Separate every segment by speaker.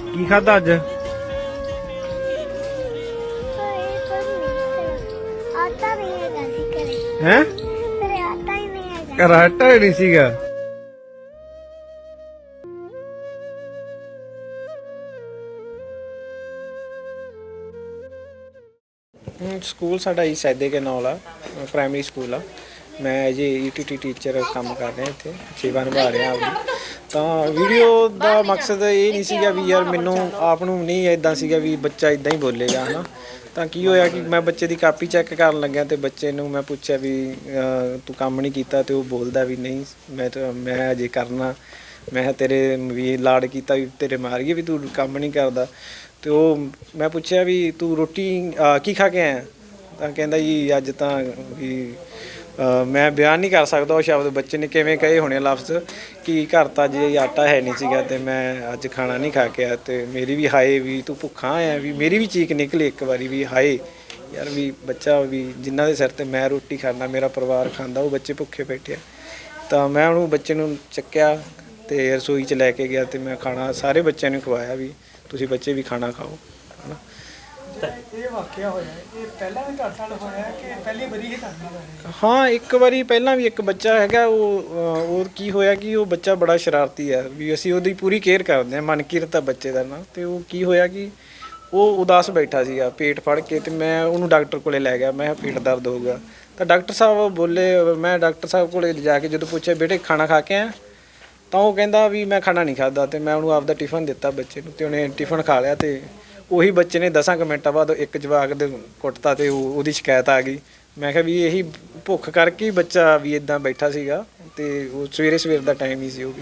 Speaker 1: ਕੀ ਖਾਦਾ ਅੱਜ?
Speaker 2: ਆਟਾ ਨਹੀਂ ਹੈਗਾ ਸੀ ਘਰੇ।
Speaker 1: ਹੈ
Speaker 2: ਘਰੇ ਆਟਾ ਹੀ ਨਹੀਂ ਹੈਗਾ।
Speaker 1: ਘਰ ਆਟਾ ਹੀ ਨਹੀਂ ਸੀਗਾ। ਸਕੂਲ ਸਾਡਾ ਹੀ ਸੈਦੇ ਕੇ ਨਾਲ ਆ, ਪ੍ਰਾਇਮਰੀ ਸਕੂਲ ਆ। ਮੈਂ ਜੀ ਈਟੀਟੀ ਟੀਚਰ ਕੰਮ ਕਰ ਰਿਹਾ ਇੱਥੇ, ਸੇਵਾ ਨਿਭਾ ਰਿਹਾ ਆਪਦੀ। ਤਾਂ ਵੀਡੀਓ ਦਾ ਮਕਸਦ ਇਹ ਨਹੀਂ ਸੀਗਾ ਵੀ ਯਾਰ ਮੈਨੂੰ ਆਪ ਨੂੰ ਨਹੀਂ ਇੱਦਾਂ ਸੀਗਾ ਵੀ ਬੱਚਾ ਇੱਦਾਂ ਹੀ ਬੋਲੇਗਾ, ਹੈ ਨਾ। ਤਾਂ ਕੀ ਹੋਇਆ ਕਿ ਮੈਂ ਬੱਚੇ ਦੀ ਕਾਪੀ ਚੈੱਕ ਕਰਨ ਲੱਗਿਆ ਅਤੇ ਬੱਚੇ ਨੂੰ ਮੈਂ ਪੁੱਛਿਆ ਵੀ ਤੂੰ ਕੰਮ ਨਹੀਂ ਕੀਤਾ, ਅਤੇ ਉਹ ਬੋਲਦਾ ਵੀ ਨਹੀਂ ਮੈਂ ਅਜੇ ਕਰਨਾ। ਮੈਂ ਕਿਹਾ ਤੇਰੇ ਵੀ ਲਾਡ ਕੀਤਾ ਵੀ ਤੇਰੇ ਮਾਰੀਏ ਵੀ ਤੂੰ ਕੰਮ ਨਹੀਂ ਕਰਦਾ। ਅਤੇ ਉਹ ਮੈਂ ਪੁੱਛਿਆ ਵੀ ਤੂੰ ਰੋਟੀ ਕੀ ਖਾ ਕੇ ਆਇਆ? ਤਾਂ ਕਹਿੰਦਾ ਜੀ ਅੱਜ ਤਾਂ ਵੀ ਮੈਂ ਬਿਆਨ ਨਹੀਂ ਕਰ ਸਕਦਾ ਉਹ ਸ਼ਬਦ ਬੱਚੇ ਨੇ ਕਿਵੇਂ ਕਹੇ ਹੋਣੇ ਲਫ਼ਜ਼ ਕਿ ਘਰ ਤਾਂ ਜੇ ਆਟਾ ਹੈ ਨਹੀਂ ਸੀਗਾ ਅਤੇ ਮੈਂ ਅੱਜ ਖਾਣਾ ਨਹੀਂ ਖਾ ਕੇ ਆਇਆ। ਅਤੇ ਮੇਰੀ ਵੀ ਹਾਏ ਵੀ ਤੂੰ ਭੁੱਖਾ ਆਇਆ, ਵੀ ਮੇਰੀ ਵੀ ਚੀਕ ਨਿਕਲੀ ਇੱਕ ਵਾਰੀ ਵੀ ਹਾਏ ਯਾਰ ਵੀ ਬੱਚਾ ਵੀ ਜਿਨ੍ਹਾਂ ਦੇ ਸਿਰ 'ਤੇ ਮੈਂ ਰੋਟੀ ਖਾਂਦਾ, ਮੇਰਾ ਪਰਿਵਾਰ ਖਾਂਦਾ, ਉਹ ਬੱਚੇ ਭੁੱਖੇ ਬੈਠੇ ਆ। ਤਾਂ ਮੈਂ ਉਹਨੂੰ ਬੱਚੇ ਨੂੰ ਚੱਕਿਆ ਅਤੇ ਰਸੋਈ 'ਚ ਲੈ ਕੇ ਗਿਆ ਅਤੇ ਮੈਂ ਖਾਣਾ ਸਾਰੇ ਬੱਚਿਆਂ ਨੂੰ ਖਵਾਇਆ ਵੀ ਤੁਸੀਂ ਬੱਚੇ ਵੀ ਖਾਣਾ ਖਾਓ, ਹੈ ਨਾ।
Speaker 3: ਇਹ ਵਾਕਿਆ ਹੋਇਆ ਇਹ ਪਹਿਲਾਂ ਵੀ ਤੁਹਾਡੇ ਨਾਲ ਹੋਇਆ ਕਿ ਪਹਿਲੀ ਵਾਰੀ ਹੀ ਤੁਹਾਡੇ ਨਾਲ ਹੋਇਆ?
Speaker 1: ਹਾਂ ਇੱਕ ਵਾਰੀ ਪਹਿਲਾਂ ਵੀ ਇੱਕ ਬੱਚਾ ਹੈਗਾ ਉਹ ਕੀ ਹੋਇਆ ਕਿ ਉਹ ਬੱਚਾ ਬੜਾ ਸ਼ਰਾਰਤੀ ਹੈ, ਵੀ ਅਸੀਂ ਉਹਦੀ ਪੂਰੀ ਕੇਅਰ ਕਰਦੇ ਹਾਂ, ਮਨਕੀਰਤ ਆ ਬੱਚੇ ਦਾ ਨਾਂ। ਅਤੇ ਉਹ ਕੀ ਹੋਇਆ ਕਿ ਉਹ ਉਦਾਸ ਬੈਠਾ ਸੀਗਾ ਪੇਟ ਫੜ ਕੇ, ਅਤੇ ਮੈਂ ਉਹਨੂੰ ਡਾਕਟਰ ਕੋਲ ਲੈ ਗਿਆ। ਮੈਂ ਕਿਹਾ ਪੇਟ ਦਰਦ ਹੋਊਗਾ। ਤਾਂ ਡਾਕਟਰ ਸਾਹਿਬ ਬੋਲੇ, ਮੈਂ ਡਾਕਟਰ ਸਾਹਿਬ ਕੋਲ ਜਾ ਕੇ ਜਦੋਂ ਪੁੱਛਿਆ ਬੇਟੇ ਖਾਣਾ ਖਾ ਕੇ ਆਇਆ, ਤਾਂ ਉਹ ਕਹਿੰਦਾ ਵੀ ਮੈਂ ਖਾਣਾ ਨਹੀਂ ਖਾਧਾ। ਅਤੇ ਮੈਂ ਉਹਨੂੰ ਆਪਦਾ ਟਿਫਨ ਦਿੱਤਾ ਬੱਚੇ ਨੂੰ, ਅਤੇ ਉਹਨੇ ਟਿਫਨ ਖਾ ਲਿਆ। ਅਤੇ ਉਹੀ ਬੱਚੇ ਨੇ 10 ਮਿੰਟਾਂ ਬਾਅਦ ਇੱਕ ਜਵਾਕ ਦੇ ਕੁੱਟਤਾ ਅਤੇ ਉਹਦੀ ਸ਼ਿਕਾਇਤ ਆ ਗਈ। ਮੈਂ ਕਿਹਾ ਵੀ ਇਹੀ ਭੁੱਖ ਕਰਕੇ ਹੀ ਬੱਚਾ ਵੀ ਇੱਦਾਂ ਬੈਠਾ ਸੀਗਾ, ਅਤੇ ਉਹ ਸਵੇਰ ਦਾ ਟਾਈਮ ਹੀ ਸੀ। ਉਹ ਵੀ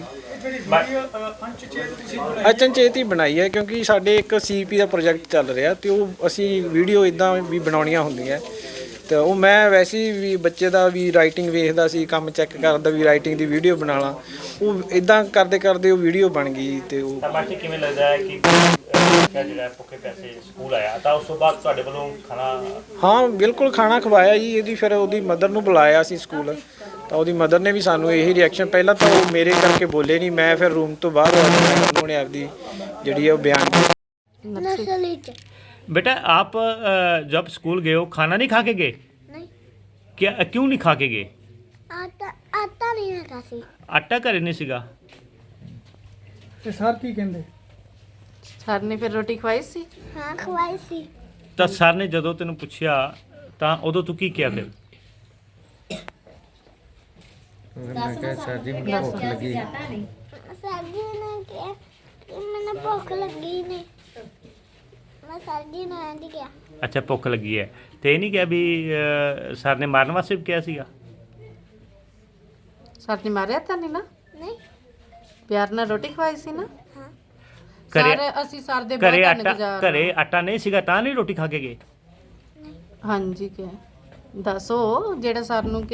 Speaker 1: ਅਚਨਚੇਤ ਹੀ ਬਣਾਈ ਹੈ ਕਿਉਂਕਿ ਸਾਡੇ ਇੱਕ CP ਦਾ ਪ੍ਰੋਜੈਕਟ ਚੱਲ ਰਿਹਾ, ਅਤੇ ਉਹ ਅਸੀਂ ਵੀਡੀਓ ਇੱਦਾਂ ਵੀ ਬਣਾਉਣੀਆਂ ਹੁੰਦੀਆਂ। ਅਤੇ ਉਹ ਮੈਂ ਵੈਸੇ ਵੀ ਬੱਚੇ ਦਾ ਵੀ ਰਾਈਟਿੰਗ ਵੇਖਦਾ ਸੀ, ਕੰਮ ਚੈੱਕ ਕਰਦਾ ਵੀ ਰਾਈਟਿੰਗ ਦੀ ਵੀਡੀਓ ਬਣਾ ਲਾਂ। ਉਹ ਇੱਦਾਂ ਕਰਦੇ ਉਹ ਵੀਡੀਓ ਬਣ ਗਈ। ਅਤੇ ਉਹ
Speaker 4: ਮਾਸਟਰ ਕਿਵੇਂ ਲੱਗਦਾ ਹੈ ਕਿ ਜਿਹੜਾ ਭੁੱਖੇ ਪੈਸੇ ਸਕੂਲ ਆਇਆ ਤਾਂ ਉਸ ਤੋਂ ਬਾਅਦ ਤੁਹਾਡੇ ਵੱਲੋਂ ਖਾਣਾ?
Speaker 1: ਹਾਂ ਬਿਲਕੁਲ ਖਾਣਾ ਖਵਾਇਆ ਜੀ। ਇਹਦੀ ਫਿਰ ਉਹਦੀ ਮਦਰ ਨੂੰ ਬੁਲਾਇਆ ਸੀ ਸਕੂਲ, ਤਾਂ ਉਹਦੀ ਮਦਰ ਨੇ ਵੀ ਸਾਨੂੰ ਇਹੀ ਰਿਐਕਸ਼ਨ, ਪਹਿਲਾਂ ਤਾਂ ਉਹ ਮੇਰੇ ਕਰਕੇ ਬੋਲੇ ਨਹੀਂ, ਮੈਂ ਫਿਰ ਰੂਮ ਤੋਂ ਬਾਹਰ ਉਹਨੇ ਆਪਦੀ ਜਿਹੜੀ ਹੈ ਉਹ ਬਿਆਨ ਕੀਤੀ।
Speaker 2: नर्सरी च
Speaker 4: बेटा आप जब स्कूल गए हो खाना नहीं खा के गए?
Speaker 2: नहीं
Speaker 4: क्या क्यों नहीं खा के गए?
Speaker 2: आटा आटा नहीं हैगा सी।
Speaker 4: आटा घरे नहीं सीगा?
Speaker 3: ਤੇ ਸਰ ਕੀ ਕਹਿੰਦੇ?
Speaker 5: ਸਰ ਨੇ ਫਿਰ ਰੋਟੀ ਖਵਾਈ ਸੀ?
Speaker 2: हाँ खवाई सी।
Speaker 4: ਤਾਂ ਸਰ ਨੇ ਜਦੋਂ ਤੈਨੂੰ ਪੁੱਛਿਆ ਤਾਂ ਉਦੋਂ ਤੂੰ ਕੀ ਕਿਹਾ ਫਿਰ?
Speaker 1: ਮੈਂ ਕਿਹਾ ਸਰ ਜੀ ਮੈਨੂੰ ਭੁੱਖ ਲੱਗੀ।
Speaker 2: सर जी ने कहा कि मैंने भूख लगी नहीं। मैं सर जी ने ऐंड किया।
Speaker 4: ਅੱਛਾ ਭੁੱਖ ਲੱਗੀ ਹੈ ਤੇ ਇਹ ਨਹੀਂ ਕਿਹਾ ਵੀ ਸਰ ਨੇ ਮਾਰਨ ਵਾਸਤੇ ਵੀ ਕਿਹਾ ਸੀਗਾ?
Speaker 5: ਸਰ ਨੇ ਮਾਰਿਆ ਤਾਂ ਨਹੀਂ ਨਾ?
Speaker 2: नहीं
Speaker 5: ਪਿਆਰ ਨਾਲ ਰੋਟੀ ਖਵਾਈ ਸੀ ਨਾ?
Speaker 2: हाँ
Speaker 4: ਘਰੇ
Speaker 5: ਸਰ ਅਸੀਂ ਸਰ ਦੇ
Speaker 4: ਘਰੇ
Speaker 5: ਬਹੁਤ
Speaker 4: ਆਟਾ
Speaker 5: ਧੰਨਵਾਦ।
Speaker 4: ਘਰੇ ਆਟਾ ਨਹੀਂ ਸੀਗਾ ਤਾਂ ਨਹੀਂ ਰੋਟੀ ਖਾ ਕੇ ਗਏ?
Speaker 5: ਹਾਂਜੀ ਕਿ ਦੱਸੋ ਜਿਹੜਾ ਸਰ ਨੂੰ